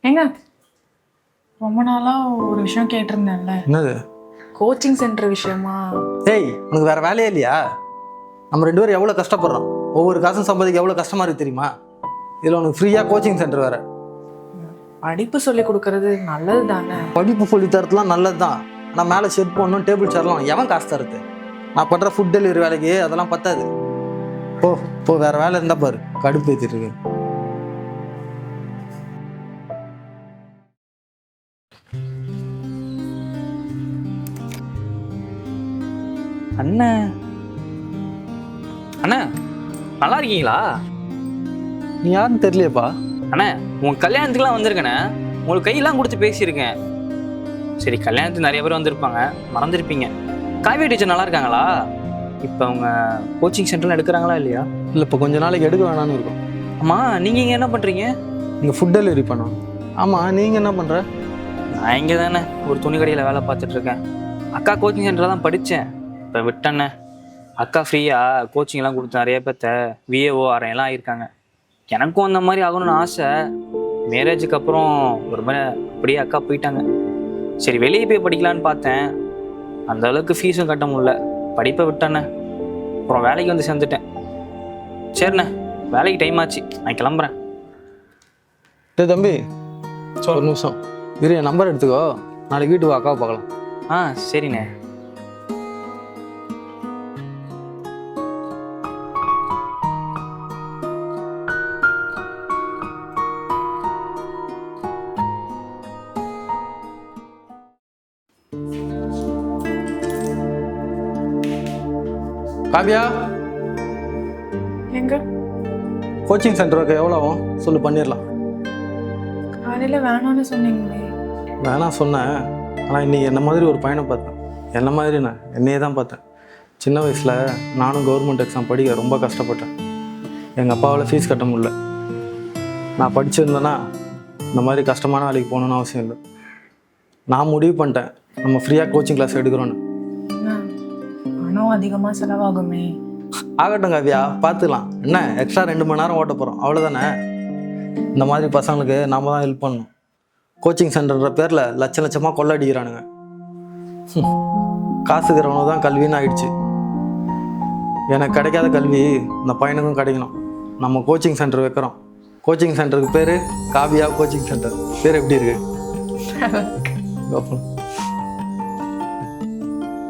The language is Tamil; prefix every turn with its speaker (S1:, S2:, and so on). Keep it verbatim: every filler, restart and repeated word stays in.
S1: ஏங்க ரொம்ப நாளா ஒரு விஷயம் கேட்டிருந்தேன்ல,
S2: என்னது?
S1: கோச்சிங் சென்டர் விஷயமா.
S2: ஏய், உனக்கு வேற வேலையே இல்லையா? நம்ம ரெண்டு பேரும் எவ்வளோ கஷ்டப்படுறோம். ஒவ்வொரு காசும் சம்பாதிக்க எவ்வளோ கஷ்டமா இருக்கு தெரியுமா? இதில் உனக்கு ஃப்ரீயாக கோச்சிங் சென்டர் வேற.
S1: படிப்பு சொல்லி கொடுக்கறது நல்லது தானே.
S2: படிப்பு சொல்லி தரத்துலாம் நல்லது தான். நான் மேலே ஷெட் போடணும், டேபிள் சேர்லாம் எவன் காசு தருது? நான் பண்ணுற ஃபுட் டெலிவரி வேலைக்கு அதெல்லாம் பத்தாது. ஓ இப்போ வேற வேலை இருந்தால் பாரு, கடுப்பு ஏற்றிட்டு இருக்கு.
S3: அண்ணா அண்ணா நல்லா இருக்கீங்களா?
S2: நீ யாருன்னு தெரியலையப்பா.
S3: அண்ணா உன் கல்யாணத்துக்குலாம் வந்திருக்கேண்ணே. உங்களுக்கு கையெல்லாம் கொடுத்து பேசியிருக்கேன். சரி, கல்யாணத்துக்கு நிறைய பேர் வந்திருப்பாங்க, மறந்துருப்பீங்க. காவியா டீச்சர் நல்லா இருக்காங்களா? இப்போ அவங்க கோச்சிங் சென்டர்லாம் எடுக்கிறாங்களா இல்லையா?
S2: இல்லை, இப்போ கொஞ்ச நாளைக்கு எடுக்க வேணான்னு இருக்கும்.
S3: ஆமாம், நீங்கள் இங்கே என்ன பண்ணுறீங்க?
S2: இங்கே ஃபுட் டெலிவரி பண்ணோம். ஆமாம், நீங்கள் என்ன பண்ணுற?
S3: நான் இங்கே தானே ஒரு துணி கடையில் வேலை பார்த்துட்ருக்கேன். அக்கா கோச்சிங் சென்டரில் தான் படித்தேன், இப்போ விட்டேண்ணே. அக்கா ஃப்ரீயாக கோச்சிங்லாம் கொடுத்து நிறைய பேர்த்த விஏஓ ஆரையெல்லாம் ஆகியிருக்காங்க. எனக்கும் அந்த மாதிரி ஆகணும்னு ஆசை. மேரேஜுக்கு அப்புறம் ஒரு மாதிரி அப்படியே அக்கா போயிட்டாங்க. சரி, வெளியே போய் படிக்கலான்னு பார்த்தேன். அந்த அளவுக்கு ஃபீஸும் கட்ட முடியல, படிப்பை விட்டேண்ணே. அப்புறம் வேலைக்கு வந்து சேர்ந்துட்டேன். சரிண்ணே, வேலைக்கு டைம் ஆச்சு, நான் கிளம்புறேன்.
S2: டே தம்பி, ஒரு நிமிஷம் இரு, என் நம்பர் எடுத்துக்கோ. நாளைக்கு வீட்டுக்கு அக்காவை பார்க்கலாம்.
S3: ஆ சரிண்ணே.
S2: காவியா,
S1: எங்க
S2: கோச்சிங் சென்டருக்கு எவ்வளோ ஆகும் சொல்லு, பண்ணிடலாம்.
S1: காலையில வேணாம்னு சொன்னீங்களே.
S2: வேணாம் சொன்னேன், ஆனால் இன்றைக்கி என்ன மாதிரி ஒரு பையனை பார்த்தேன். என்ன மாதிரி நான் என்னையே தான் பார்த்தேன். சின்ன வயசில் நானும் கவர்மெண்ட் எக்ஸாம் படிக்க ரொம்ப கஷ்டப்பட்டேன். எங்கள் அப்பாவால் ஃபீஸ் கட்ட முடியல. நான் படிச்சிருந்தேன்னா இந்த மாதிரி கஷ்டமான வேலைக்கு போகணுன்னு அவசியம் இல்லை. நான் முடிவு பண்ணிட்டேன், நம்ம ஃப்ரீயாக கோச்சிங் கிளாஸ் எடுக்கிறோன்னு.
S1: பணம் அதிகமா செலவாகுமே.
S2: ஆகட்டும் காவியா, பார்த்துக்கலாம். என்ன எக்ஸ்ட்ரா ரெண்டு மணி நேரம் ஓட்ட போகிறோம், அவ்வளோதானே. இந்த மாதிரி பசங்களுக்கு நாம் தான் ஹெல்ப் பண்ணணும். கோச்சிங் சென்டர்ன்ற பேரில் லட்ச லட்சமாக கொள்ளடிக்கிறானுங்க. காசுக்கிறவனு தான் கல்வின்னு ஆயிடுச்சு. எனக்கு கிடைக்காத கல்வி இந்த பையனுக்கும் கிடைக்கணும். நம்ம கோச்சிங் சென்டர் வைக்கிறோம். கோச்சிங் சென்டருக்கு பேர் காவியா கோச்சிங் சென்டர். பேர் எப்படி இருக்கு?